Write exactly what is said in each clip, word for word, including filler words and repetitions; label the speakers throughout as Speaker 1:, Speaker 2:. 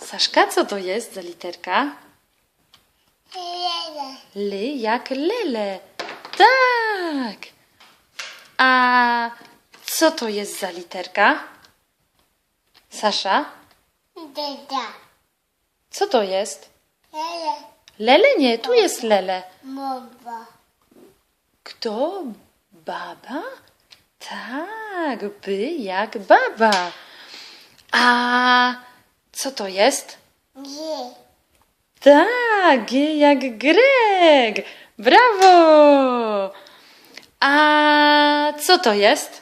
Speaker 1: Saszka, co to jest za literka?
Speaker 2: Lele.
Speaker 1: Ly jak lele. Tak. A co to jest za literka? Sasza,
Speaker 2: Deda.
Speaker 1: co to jest?
Speaker 2: Lele.
Speaker 1: Lele? Nie, tu jest lele.
Speaker 2: Mowa.
Speaker 1: Kto? Baba? Tak, by jak baba. A co to jest?
Speaker 2: G.
Speaker 1: Tak, G jak Greg. Brawo! A co to jest?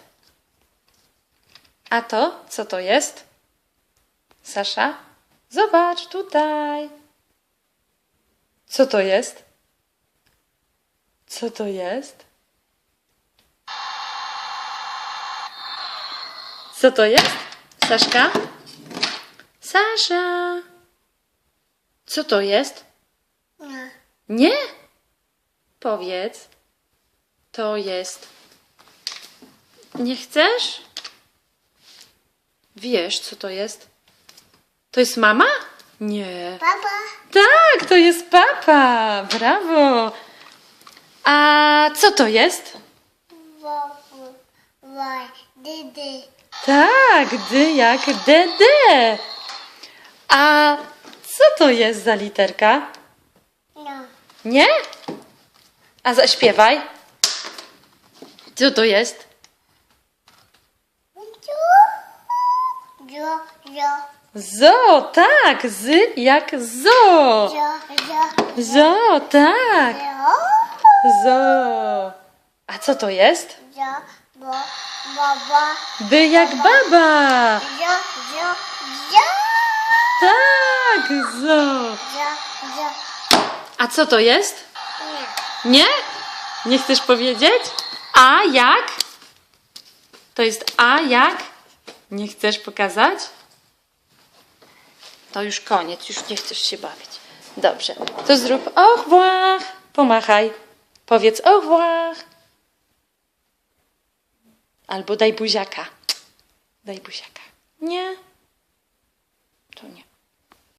Speaker 1: A to, co to jest? Sasza, zobacz tutaj. Co to jest? Co to jest? Co to jest? Saszka? Sasza! Co to jest?
Speaker 2: Nie.
Speaker 1: Nie? Powiedz. To jest. Nie chcesz? Wiesz, co to jest? To jest mama? Nie.
Speaker 2: Papa.
Speaker 1: Tak, to jest papa. Brawo. A co to jest?
Speaker 2: Wowu. Woj. Dydy.
Speaker 1: Tak, dy jak dede. A co to jest za literka?
Speaker 2: No.
Speaker 1: Nie? A zaśpiewaj. Co to jest?
Speaker 2: Jo. Jo.
Speaker 1: Zo, tak, z jak zo.
Speaker 2: Jo. Jo.
Speaker 1: Zo, tak,
Speaker 2: Jo.
Speaker 1: zo. A co to jest?
Speaker 2: Jo. Bo. Baba.
Speaker 1: By jak baba.
Speaker 2: Jo. Jo. Jo.
Speaker 1: Tak, zo.
Speaker 2: Jo. Jo.
Speaker 1: A co to jest?
Speaker 2: Nie.
Speaker 1: Nie? Nie chcesz powiedzieć? A jak? To jest a jak? Nie chcesz pokazać? To już koniec, już nie chcesz się bawić. Dobrze, to zrób au revoir. Pomachaj. Powiedz au revoir. Albo daj buziaka. Daj buziaka. Nie? To nie.